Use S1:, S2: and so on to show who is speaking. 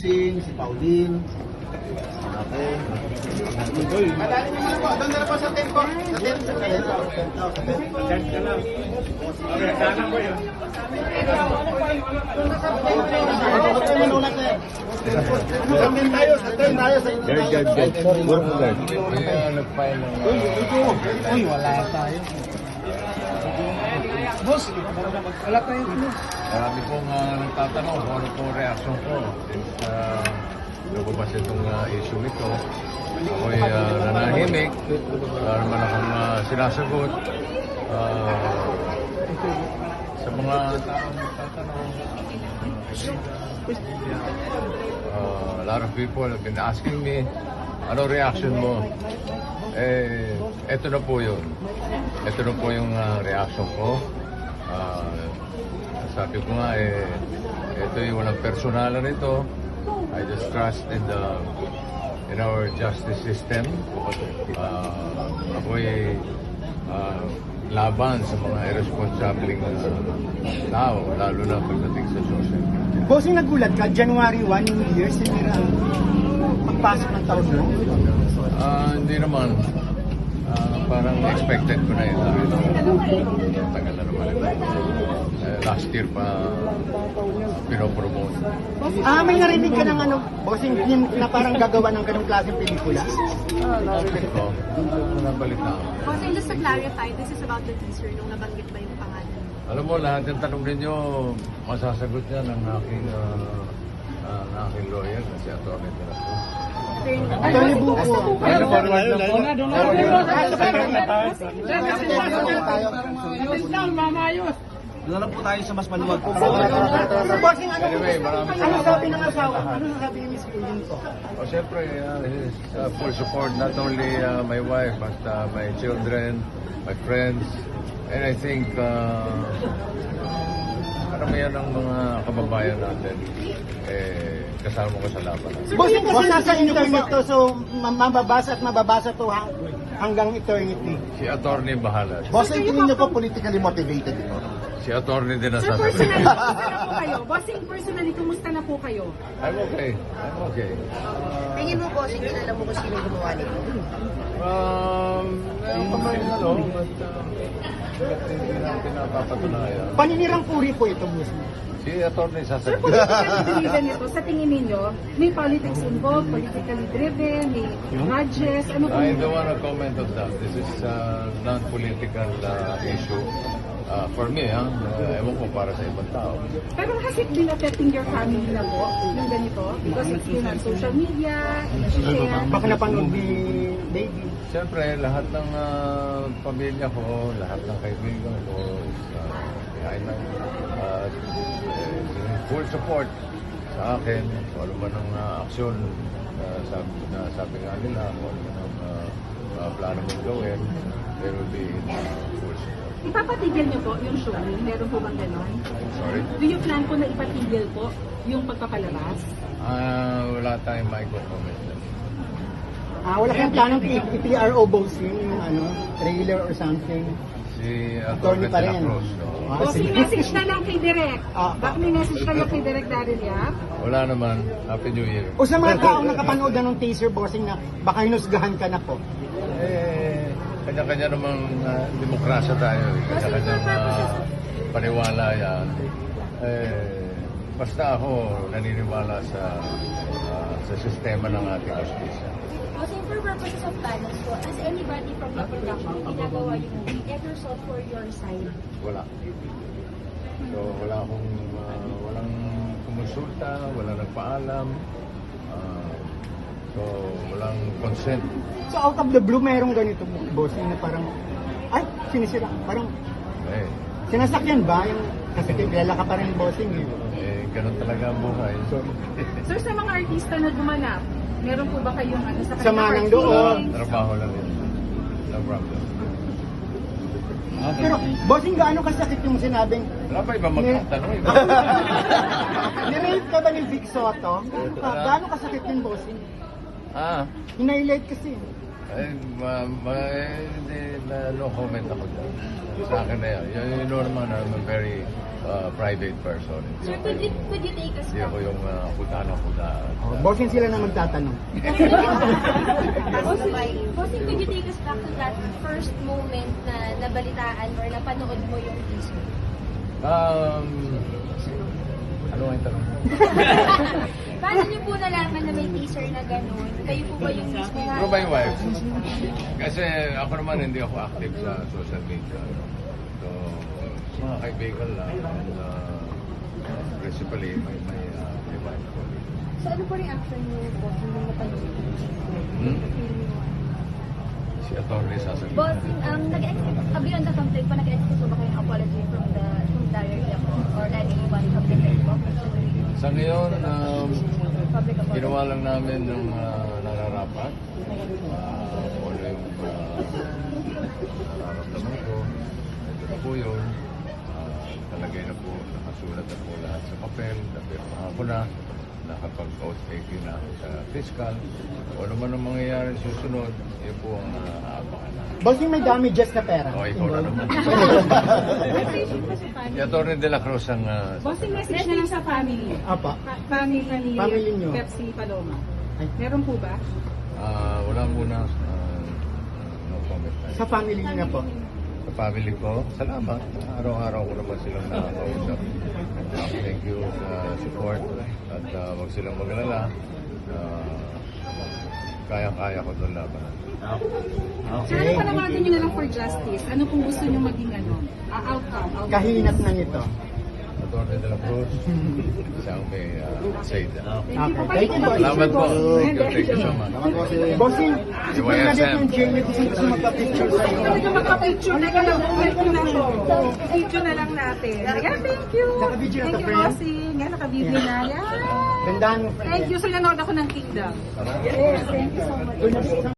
S1: Si Pauline. Okay. Madali mo na po. Doon na po sa tempo. Sa tempo. Chat ka lang. Okay, sana po yun. Sabihin tayo. Sabihin tayo.
S2: Guard. Puro mo guard.
S3: Nag-file ng...
S1: Uy, wala tayo. Boss, wala tayo.
S3: Marami pong nagtatanong kung ano pong reaction ko since lumabas itong issue nito. Ako'y nanahimik. Wala naman akong sinasagot. Sa mga taong nagtatanong, a lot of people have been asking me, ano reaction mo? Ito na po yun. Ito na po yung reaction ko. Sabi ko nga, ito yung walang personalan nito. I just trust in our justice system. Ako'y laban sa mga irresponsibleng tao, lalo na pagdating sa social media.
S1: Bossing, nagulat ka, January 1, New Year, sinira ang pagpasok ng taon mo?
S3: Hindi naman. Parang expected ko na yun. Tagal na naman ito. Last year pa pinopromote.
S1: May narinig ka ng ano, bossing, yun na parang gagawa ng ganong klaseng pelikula?
S3: Narinig ko. Nabalita ako.
S4: Bossing, just to clarify, this is about the teaser nung nabanggit ba yung pangalan?
S3: Alam mo, lahat ng tanong ninyo, masasagot yan ng aking lawyer na si Atty. De la Cruz.
S1: Attorney Buko.
S2: Doon na lang po tayo sa mas maluwag.
S1: Bossing,
S3: Anyway, maraming
S1: ano
S3: salamat.
S1: sabi ng asawa? Ano sabi ni Miss Pauline ko?
S3: Siyempre, his full support, not only my wife, but my children, my friends, and I think karamihan ng mga kababayan natin kasama ko sa laban.
S1: Bossing, kasi nasa internet to, so mababasa at mababasa to hanggang eternity.
S3: Si attorney bahala.
S1: Bossing, tingin niyo po politically motivated ito?
S3: Si attorney din
S4: Sir,
S3: nasasagot.
S4: personally, kumusta na po kayo? Bossing, personally, kumusta na po kayo?
S3: I'm okay. I'm okay.
S5: Tingin mo po, sige, alam mo kung sino gumawa nito.
S3: Meron pa may but hindi natin napapatunayan.
S1: Paninirang puri po ito, bossing.
S3: Si attorney
S4: Sir,
S3: sasagot.
S4: politically driven ito, sa tingin ninyo, may politics involved, politically driven, may grudges, ano po?
S3: I don't want to comment on that. This is a non-political issue. For me, ewan ko para sa ibang tao.
S4: Pero has it been affecting your family na po, yung ganito? Because it's been on social media, share.
S1: Baka napanood ni baby.
S3: Siyempre, lahat ng pamilya ko, lahat ng kaibigan ko is behind my full support sa akin. Kung ano man ang aksyon na sabi nga nila, kung ano man ang plano mong gawin, there will be full support.
S4: Ipapatigil niyo po yung show, meron po bang gano'n?
S3: Sorry?
S4: Do you plan po na ipatigil po yung pagpapalabas?
S3: Wala tayong micro-comment.
S1: Wala kayong planong i-PRO bossing, yung ano, trailer or something?
S3: Si
S1: Attorney
S3: Atty.
S1: pa
S3: De la
S1: rin.
S3: Cruz. No?
S4: Bossing, message na lang kay Direk.
S1: Baka
S4: may message na lang kay Direk Daryl Yap.
S3: Wala naman. Happy New Year.
S1: O sa mga taong nakapanood na ng teaser bossing na baka hinusgahan ka na po.
S3: Kanya-kanya namang demokrasya tayo. Kanya-kanyang paniwala yan. Basta ako naniniwala sa sistema ng ating justisya.
S6: Also, for purposes of balance po, as anybody from the production na ginagawa yung movie, ever sought for your side?
S3: Wala. So, walang kumonsulta, walang nagpaalam. So, walang consent.
S1: So out of the blue, merong ganito bossing na parang, ay, sinisira. Parang, sinasakyan ba? Yung, kasi kilala ka pa rin bossing eh.
S3: Ganun talaga ang buhay.
S4: Sir, sa mga artista na gumanap, meron po ba kayong ano sa
S1: Sama ng loob.
S3: Trabaho lang yun. No problem.
S1: Pero bossing, gaano kasakit yung sinabing,
S3: Wala pa iba magtatanong.
S1: nirate ka ba ni Vic Soto? Gaano kasakit yung bossing? Hinighlight kasi.
S3: No comment ako dyan. Sa akin na yan. You know naman, I'm a very private person.
S6: Sir, could you take us
S3: Hindi
S6: back?
S3: ako yung kuda.
S1: Bossing sila na magtatanong.
S6: Bossing, could you take us back to that first moment na nabalitaan or napanood mo yung teaser?
S3: Ano ang tanong?
S6: Paano niyo po nalaman na may teaser na gano'n? Kayo po ba yung mismo na?
S3: Through my wife. Kasi ako naman hindi ako active sa social media. So, mga kaibigan lang. And, principally, my wife ko.
S4: So ano po reaction niyo po nung napanood?
S3: Si Atty. sasabihin.
S6: Bossing, beyond the conflict po, nag-expect po ba kayong apology from the diary po or anyone from the po?
S3: Sa ngayon,
S6: Public apology.
S3: ginawa lang namin ng nararapat. Kung ano yung nararamdaman ko. Ito na po yun. Talagay na po, nakasulat na po lahat sa papel. Napirmahan ko na. Nakapag-oath taking na ako sa fiscal. Kung ano man ang mangyayari susunod, yun po ang aabangan na.
S1: Bossing may damages na pera.
S3: O, ikaw na naman. Si Atty. De La Cruz ang...
S4: Bossing message na lang sa family.
S1: Apa.
S4: Family
S1: niyo.
S4: Pepsi Paloma. Meron po ba?
S3: Wala muna. No comment na.
S1: Sa family niyo na po.
S3: Sa family ko, salamat. Araw-araw ko naman silang nakakausap. Thank you sa support. At wag silang mag-alala. Kaya-kaya ko doon laban.
S4: Sir, ano panawagan niyo na lang for justice? Ano kung gusto niyo maging outcome?
S1: Kahinat na nito.
S3: Atty. De La Cruz, isang may say that.
S1: Okay. Thank you, boss.
S3: Salamat po. Thank you so much.
S1: Bossing, si Bernadette ng Jamie gusto magpa-picture sa'yo.
S4: Talaga magpa-picture na lang. Picture na lang natin. Ayan, thank you.
S1: Naka-video na to,
S4: Thank you,
S1: friend.
S4: Bossing. Yan, naka-video na. Yan.
S1: Gandaan mo, friend.
S4: Thank you. So, nanood ako ng Kingdom. Yes, thank you so much.